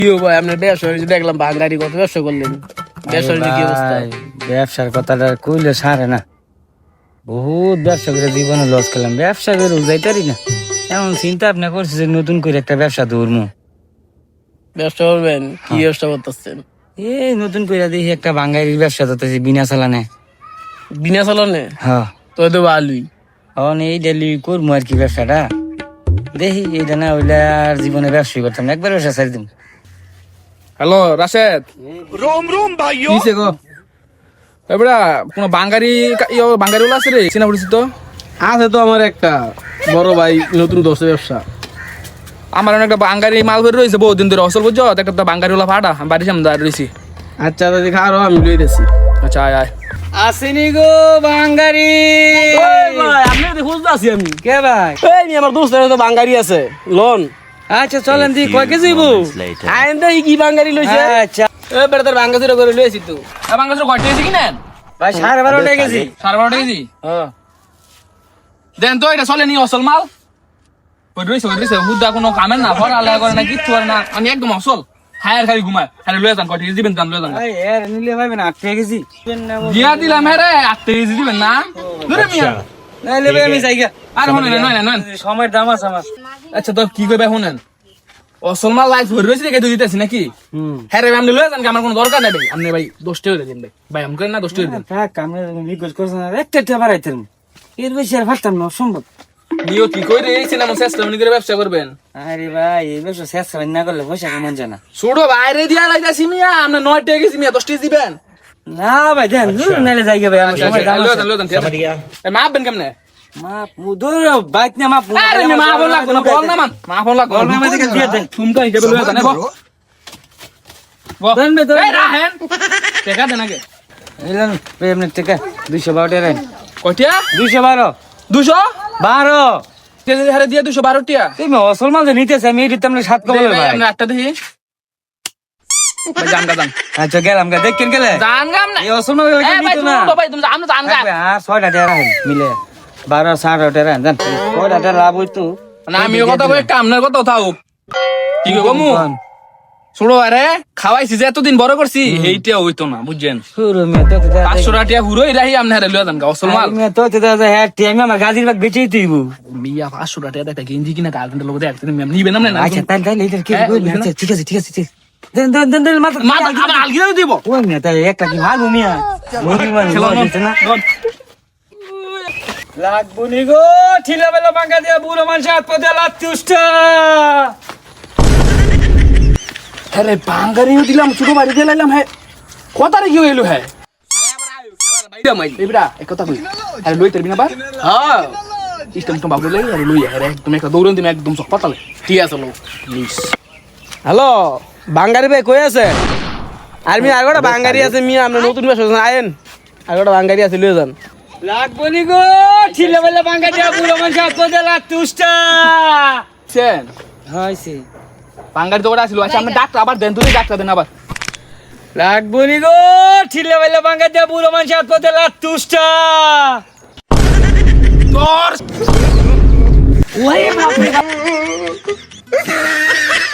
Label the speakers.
Speaker 1: কি ভাই আপনার ব্যবসা দেখলাম বাঙালি কত ব্যবসা করলেন, ব্যবসার কি অবস্থা?
Speaker 2: ব্যবসার কথাটা কইলে সারে না, বহুত ব্যবসা করে জীবনে লস খেলাম, ব্যবসা করে যাইতারি না। এমন চিন্তা ভাবনা করছি যে নতুন করে একটা ব্যবসা ধরবো।
Speaker 1: ব্যবসা করবেন? কি ব্যবসা করতেছেন?
Speaker 2: এই নতুন করে দেখি একটা বাঙালির ব্যবসা ধরতেছি বিনা চালানে।
Speaker 1: বিনা চালানে?
Speaker 2: হ্যাঁ,
Speaker 1: তো তো ভালোই।
Speaker 2: এখন এই ডেলি করবো আর কি ব্যবসাটা, দেখি এইটা না হইলে আর জীবনে ব্যবসায়ী করতাম না, একবার ব্যবসা ছাড়ি দিম।
Speaker 3: হ্যালো রাশেদ,
Speaker 1: কিসে গো?
Speaker 3: এবারে কোন বাঙালি বাঙালি আছে রে, চিনা পরিচিত?
Speaker 1: আছে তো আমার একটা বড় ভাই, নতুন দোষে ব্যবসা।
Speaker 3: আমার একটা বাঙালি মাল ধরে রয়েছে বহুদিন ধরে, অসল বুঝছো, একটা বাঙালি ওলা ফাটা আমি বাড়ির সামনে দাঁড়িয়ে রয়েছি।
Speaker 1: আচ্ছা দাদি খাওয়া আমি লই দিছি।
Speaker 3: আচ্ছা আয় আয়।
Speaker 2: আসেনি গো বাঙালি।
Speaker 1: ভাই আপনি খুঁজতে আছি আমি।
Speaker 2: কে ভাই?
Speaker 1: এই আমার দোস্তের তো বাঙালি আছে লোন।
Speaker 2: আচ্ছা চলেন দি, কয় কেজি বউ?
Speaker 1: আইন তো কি বাঙালি লইছে?
Speaker 2: আচ্ছা
Speaker 1: এ বেটা তোর বাঙ্গাসিরা করে লইছি তো।
Speaker 3: বাংলাদেশের কয়টা কেজি কিনেন?
Speaker 2: ভাই 12.5 কেজি।
Speaker 3: 12.5 কেজি দেন তো, এটা চলে নি অসল মাল। ওই রয়েছে হুদা কোনো কামের না, পড়ালেখা করে না, কিচ্ছু করে না, আমি একদম অসল খায়ার খালি ঘুমায়। হ্যাঁ লয়ে যান, কয়টা কেজি দিবেন জান, লয়ে যান।
Speaker 2: ভাই এর নিলে ভাই না 8 কেজি
Speaker 3: দিয়া দিলাম হ্যাঁ রে, 8 কেজি দিবেন না? ধরে মিয়া
Speaker 2: নাইলে ভাই আমি যাই গা।
Speaker 3: আর হনেন নয়
Speaker 2: সময়ের দাম আছে আমার।
Speaker 3: আচ্ছা তো কি কইবে শুনেন, অসল মাল লাইফ ধরে রয়েছে দেখে দুই দিতেছি নাকি? হ্যাঁ রে আপনি লয়ে যান, আমার কোনো দরকার নাই ভাই। আপনি ভাই 10 টাকা দিন ভাই, ভাই আমি করেন না 10 টাকা দিন।
Speaker 2: থাক, আমি রিকোয়েস্ট করছি না, একটা বাড়াইতেন এর বেশি আর পারতাম না, অসম্ভব।
Speaker 3: নিও কি কই রে, চিনা মো চেষ্টা মনে করে ব্যবসা করবেন।
Speaker 2: আরে ভাই এই ব্যবসা শেষ না করলে পয়সা কেমন জানা।
Speaker 3: ছোড়ো বাইরে দিয়া লাইতাছি মিয়া, আপনি 9 টাকা কেজি মিয়া 10 টাকা দিবেন।
Speaker 2: না ভাই দেন, নাইলে যাই গা ভাই, আমার সময় দাম আছে।
Speaker 3: লয়ে যান মাপবেন কেমনে?
Speaker 2: মাপ মুদুর বাইক না মাপ।
Speaker 3: আরে মা বল লাগবে না, বল না মান মা বল লাগবে
Speaker 2: বল না, আমাদের কাছে দিয়ে দেন।
Speaker 3: তুমি তো হিসাবে লয়ে যান বল
Speaker 2: দেন বে দেন।
Speaker 3: এই রাহেন টাকা দেন আগে।
Speaker 2: এলেন ভাই আপনার টাকা 212 টাকা রাখেন।
Speaker 3: কয়টা?
Speaker 2: 212
Speaker 3: 200
Speaker 2: 12।
Speaker 3: কেজি হারে দিয়া 212 টাকা।
Speaker 2: তুমি অসল মাল যে নিতেছে, আমি এই দিতাম না 7 কমলে ভাই।
Speaker 3: আপনি একটা দেখি ভাই জান গা জান
Speaker 2: আচ্ছা গেলাম গা, দেখেন গেলে
Speaker 3: জান গাম না।
Speaker 2: এই অসল মাল
Speaker 3: এই ভাই
Speaker 2: নিতো না।
Speaker 3: তুমি তো ভাই তুমি জান জান গা
Speaker 2: আর 6টা টাকা রাখেন মিলে 12 7 টাকা রাখেন জান। 6টা টাকা লাভ হইতো
Speaker 3: না। আমিও কথা কই, কামনার কথা থাক। কি কমু ছোড়ো আরে খাওয়াইছি যে এতদিন বড় করছি, এইটা হইতো না বুঝছেন।
Speaker 2: শুরু মে তো
Speaker 3: 500 টাকা হুরোই রাহি আপনি হারে লয়ে যান গা অসল মাল।
Speaker 2: মে তো হ্যাঁ টাইম আমার গাজির বাগ বেচেই তুইবো।
Speaker 3: মিয়া 500 টাকা একটা গেঞ্জি কিনা গার্লফ্রেন্ডের লোক দেখতে নিবেন না?
Speaker 2: আচ্ছা তাই তাই এটা কি কই না? আচ্ছা ঠিক আছে ঠিক আছে ঠিক আছে। দেন দেন দেন দেন মাথা
Speaker 3: মা আমার আলগিরা দিব।
Speaker 2: ওই না তাই একটা কি মারবো মিয়া। মুরগি মারবো না লাগবো নি গো, ঠিলা বেলা বাঙ্গা দিয়া বুড়ো মানুষ হাত পা দিয়া লাত্তি উষ্টা।
Speaker 3: আরে বাঙ্গারিও দিলাম, ছোট বাড়ি দিয়ে লাইলাম। হ্যাঁ কথা রে কি হইলো? হ্যাঁ বাইরা মাইল এবড়া এক কথা কই, আরে লই তেরবি না বা? হ্যাঁ ইস্টম তো বাবু লই আরে লই আরে তুমি একটা দৌড়ন দিম একদম সব পাতালে। ঠিক আছে লো প্লিজ।
Speaker 1: হ্যালো বাঙালি ভাই কই আছে? আর মি আর একটা বাঙালি আছে মিয়া, আমরা নতুন ব্যবসা আইন। আর একটা বাঙালি আছে লয়ে যান।
Speaker 2: লাগবো নি গো, ঠিলা বেলা বাঙ্গা দিয়া বুড়ো মানুষ হাত পা দিয়া লাত্তি উষ্টা।
Speaker 3: চেন
Speaker 2: হইছে
Speaker 3: বাঙ্গারি তো ওটা ছিল। আচ্ছা আপনি ডাক্তার আবার দেন, তুই ডাক্তার দেন আবার।
Speaker 2: লাগবো নি গো, ঠিলা বেলা বাঙ্গা দিয়া বুড়ো মানুষ হাত পা দিয়া লাত্তি উষ্টা।
Speaker 3: তোর ওই বাপ রে বাপ।